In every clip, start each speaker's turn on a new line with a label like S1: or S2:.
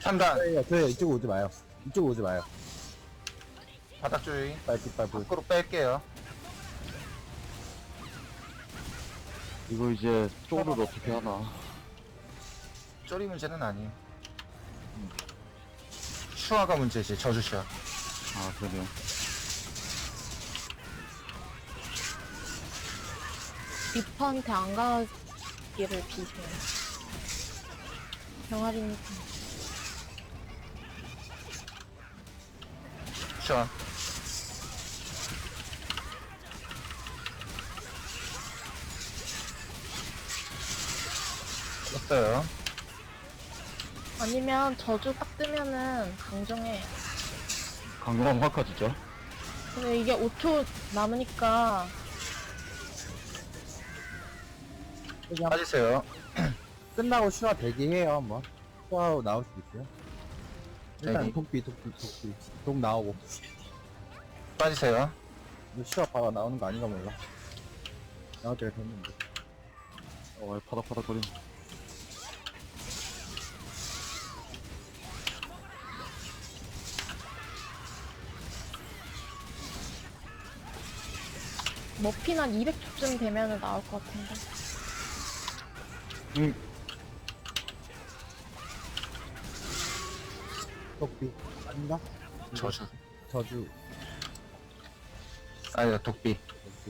S1: 3단.
S2: 저희 이쪽 오지 마요. 이쪽 오지 마요.
S1: 바닥 주의.
S2: 빨리.
S1: 밖으로 뺄게요.
S3: 이거 이제 쪼를 어떻게 하나.
S1: 쪼리 문제는 아니에요. 슈아가 문제지, 저주 슈아.
S3: 아, 그러네요.
S4: 리퍼한테 안 가기를 비세요. 병아리니까.
S1: 슈아. 뺐어요.
S4: 아니면 저주 딱 뜨면은 강정해.
S3: 강경하면 확화 진짜.
S4: 근데 이게 5초 남으니까
S2: 여기 한
S1: 빠지세요.
S2: 끝나고 슈아 대기해요 한번. 슈아 나올 수도 있어요. 일단
S1: 대기.
S2: 독비. 독 나오고.
S1: 빠지세요.
S2: 근데 슈아 바로 나오는 거 아닌가 몰라. 나올 때가 됐는데.
S3: 파닥파닥거리네.
S4: 머핀 한 200초쯤 되면은 나올 것 같은데.
S2: 독비. 아닌가?
S1: 저주.
S2: 저주.
S1: 아니다, 독비.
S2: 독비.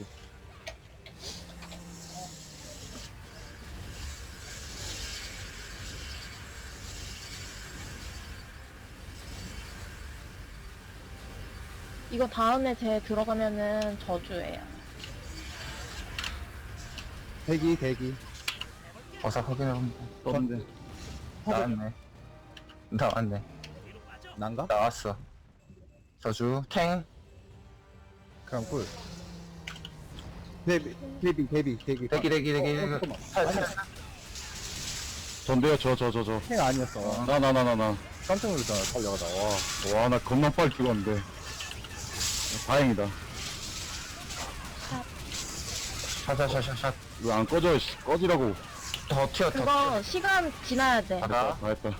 S4: 이거 다음에 제 들어가면은 저주예요.
S2: 대기.
S1: 어서 확인해봅니다.
S3: 떴는데.
S1: 나왔네. 나왔네.
S2: 난가?
S1: 나왔어. 저주, 탱.
S2: 그럼 꿀. 대기.
S1: 대기.
S2: 잠깐만.
S3: 전데요, 저.
S2: 행 아니었어.
S3: 나.
S2: 깜짝 놀랐잖아, 달려가다.
S3: 와, 나 겁나 빨리 죽었는데. 다행이다.
S1: 샷.
S3: 이거 안 꺼져, 씨. 꺼지라고.
S1: 더 튀어.
S4: 그거 시간 지나야 돼.
S1: 바닥.
S3: 다 했다.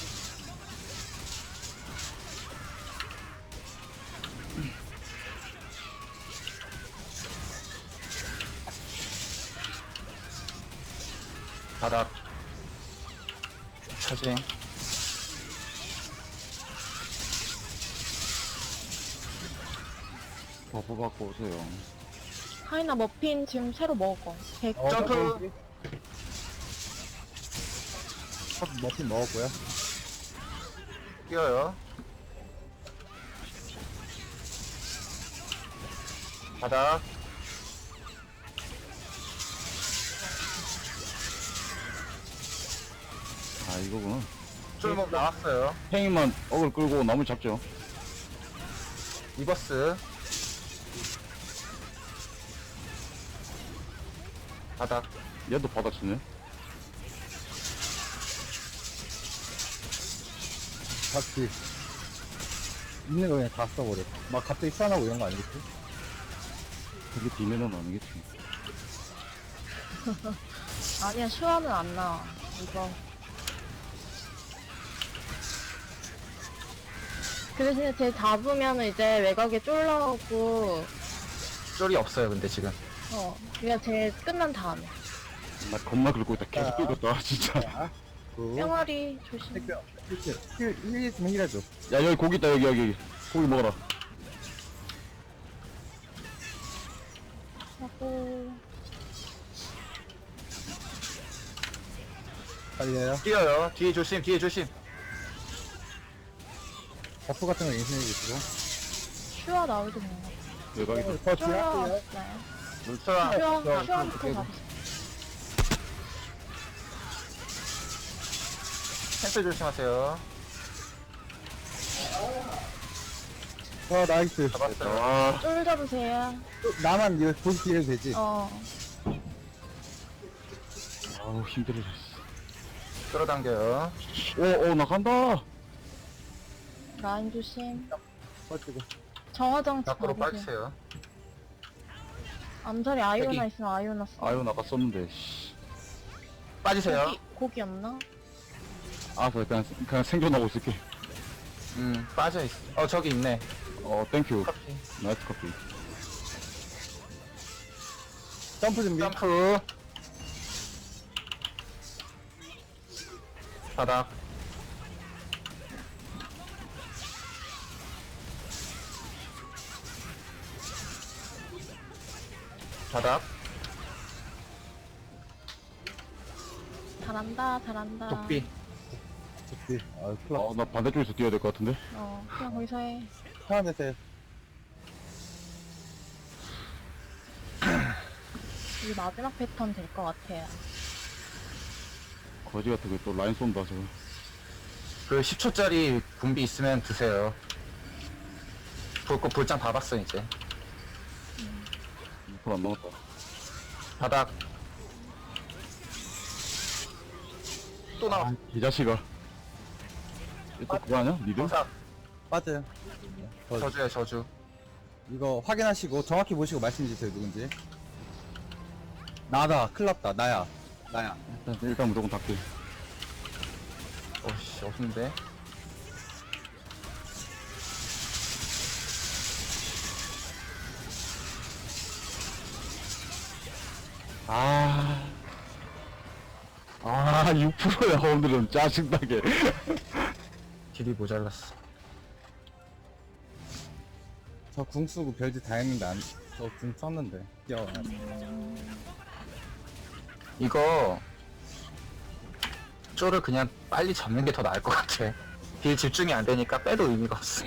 S1: 바닥. 차징.
S3: 버프 받고 오세요.
S4: 하이나 머핀 지금 새로 먹어. 100.
S1: 점프.
S2: 머핀 먹었고요.
S1: 뛰어요. 바닥.
S3: 아, 이거구나.
S1: 쫄목 나왔어요.
S3: 팽이만 어글 끌고 나무 잡죠.
S1: 리버스. 바닥.
S3: 얘도 받아치네.
S2: 같이. 있는 거 그냥 다 써버려. 막 갑자기 쏴나고 이런 거 아니겠지?
S3: 그게 비매는 아니겠지.
S4: 아니야, 슈아는 안 나와. 이거. 그 대신에 쟤 잡으면 이제 외곽에 쫄라오고,
S1: 쫄이 없어요, 근데 지금.
S4: 그냥 쟤 끝난 다음에.
S3: 나 겁나 긁고 있다. 계속 긁고 있다, 진짜.
S2: 자, 그,
S4: 병아리 조심.
S2: 택배, 힐 있으면 힐해줘.
S3: 야, 여기 고기 있다, 여기. 고기 먹어라.
S4: 하고,
S2: 빨리 해요.
S1: 뛰어요. 뒤에 조심.
S2: 버프 같은 거 인수해주시고.
S4: 슈아 나오지 뭐.
S3: 외곽이다.
S2: 더
S4: 슈아
S2: 뒤할게요.
S4: 없어요.
S1: 슈아.
S4: 슈아부터 잡으세요.
S1: 캔슬 조심하세요.
S2: 나이스.
S1: 잡았어요.
S3: 아,
S4: 쫄 잡으세요.
S2: 나만 이거 보스 딜해도 되지?
S3: 아우, 힘들어.
S1: 끌어당겨요.
S3: 나 간다.
S4: 라인 조심.
S2: 빠지고.
S4: 정화장치
S1: 밖으로
S4: 받으세요.
S1: 빠지세요.
S4: 암살이 아이오나
S1: 여기.
S4: 있으면 아이오나 써.
S3: 아유, 나갔었는데, 씨.
S1: 빠지세요.
S4: 고기 없나?
S3: 알았어, 그냥 생존하고 있을게.
S1: 빠져있어. 저기 있네.
S3: 땡큐.
S1: 커피.
S3: 나이스 커피.
S2: 점프 준비.
S1: 점프. 바닥. 바닥.
S4: 잘한다, 잘한다.
S1: 독비.
S2: 좋지. 아, 클럽
S3: 나 반대쪽에서 뛰어야 될 것 같은데?
S4: 그냥 거기서 해.
S2: 편안해서 해.
S4: 이게 마지막 패턴 될 것 같아요.
S3: 거지 같은 거 또 라인 쏜다, 저거.
S1: 그 10초짜리 군비 있으면 드세요. 불장 다 봤어, 이제.
S3: 2%안 남았다.
S1: 바닥. 또 나와.
S3: 이 자식아. 또 그거 아니야? 니들?
S1: 검사.
S2: 빠져요.
S1: 저주야, 저주.
S2: 이거 확인하시고 정확히 보시고 말씀 주세요, 누군지. 나다. 큰일 났다. 나야.
S3: 일단 무조건 닦게.
S1: 어씨, 없는데.
S3: 아, 6%야, 오늘은 짜증나게.
S1: 딜이 모자랐어.
S2: 저 궁 쓰고 별짓 다 했는데 저 궁 썼는데. 뛰어.
S1: 이거 쪼를 그냥 빨리 잡는 게 더 나을 것 같아. 딜 집중이 안 되니까 빼도 의미가 없어.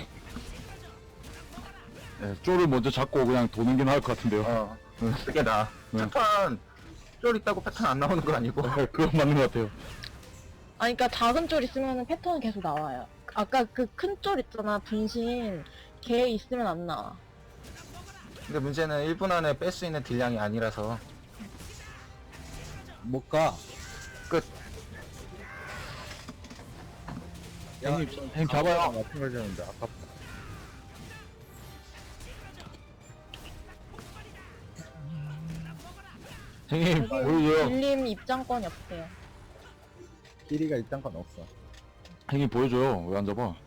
S3: 네, 쪼를 먼저 잡고 그냥 도는 게 나을 것 같은데요.
S1: 그게 나아. 패턴 쫄 있다고 패턴 안 나오는 거 아니고.
S3: 그건 맞는 것 같아요.
S4: 그러니까 작은 쫄 있으면 패턴은 계속 나와요. 아까 그 큰 쫄 있잖아, 분신. 걔 있으면 안 나와.
S1: 근데 문제는 1분 안에 뺄 수 있는 딜량이 아니라서.
S2: 못 가.
S1: 끝.
S3: 형님 잡아요.
S2: 같은 걸 주는데 아깝다.
S3: 형님,
S4: 여기
S3: 보여줘요.
S4: 빌림 입장권이 없대요.
S2: 끼리가 일단 건 없어.
S3: 형님 보여줘요. 왜 안 잡아?